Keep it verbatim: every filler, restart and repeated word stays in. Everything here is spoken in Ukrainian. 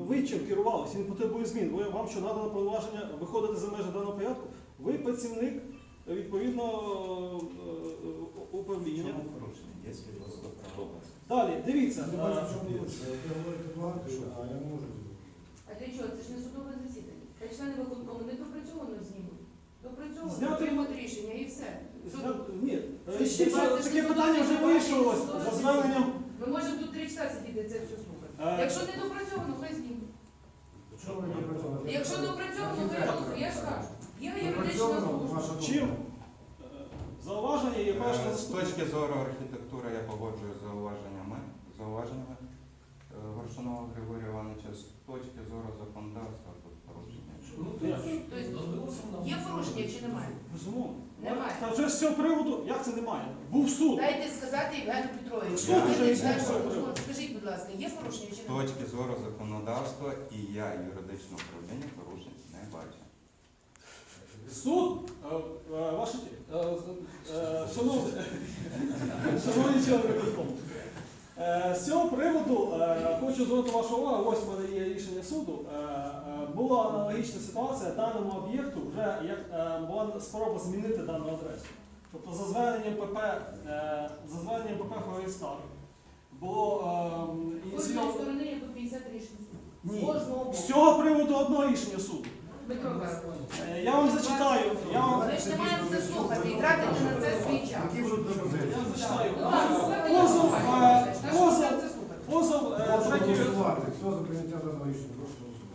ви чим керувалися, він потребує змін. Ви, вам що надано повноваження виходити за межі даного порядку? Ви працівник, відповідно, управління. Чому порушення? Є свідоцтво про власність. Далі, дивіться. Я бачу, в чому річ. Ви говорите багато, а я не можу. А для чого? Це ж не судове засідання. Та члени виконкому не допрацьовано знімуть. Допрацьовано, Зняти- приймуть рішення і все. Що- Ні, Що ж, якщо це ж таке не питання вже судове вирішувалось засідання, за зверненням. Ми можемо тут три часа сидіти це все слухати. Е, Якщо не допрацьовано, хай знімуть. Що ви не працювали? Якщо допрацьовано, хай голосує. Я ж кажу. Є юридична Допрацьовано, служба. ваша думка. Чим? Е, Зауваження є перше Е, З заступник. точки зору архітектури я погоджую з зауваженнями, зауваженнями е, Горшунова Григорія Івановича. З точки зору законодавства тут порушення. Тобто є порушення чи немає? Безумовно. Немає. Та вже з цього приводу, як це немає? Був суд. Дайте сказати Євгену Петровичу. Суд Ви вже не є, член все виконкому. треба. Скажіть, будь ласка, є порушення чи З немає? точки зору законодавства і я юридичного управління порушень не бачу. Суд, е, е, ваші, е, е, шановні, шановні члени виконкому, е, з цього приводу е, хочу звернути вашу увагу, ось в мене є рішення суду. Е, е, була аналогічна ситуація, даному об'єкту вже як, е, була спроба змінити дану адресу. Тобто за зверненням ПП, е, за зверненням ПП Форейстар було е, З кожної ініційовано- сторони є по п'ятдесят рішень. Ні. З кожного боку. З цього приводу одного рішення суду. Дмитро Карпович. Е, Я вам зачитаю, я вам, Ви ж не маєте це слухати і тратити на це свій час. Які будуть я пропозиції? вам зачитаю. Будь ласка, слухайте, Позов, я е, слухаю. Та що позов, ви це слухати? позов, е, Прошу третій, голосувати. Хто за прийняття даного рішення? Прошу голосувати.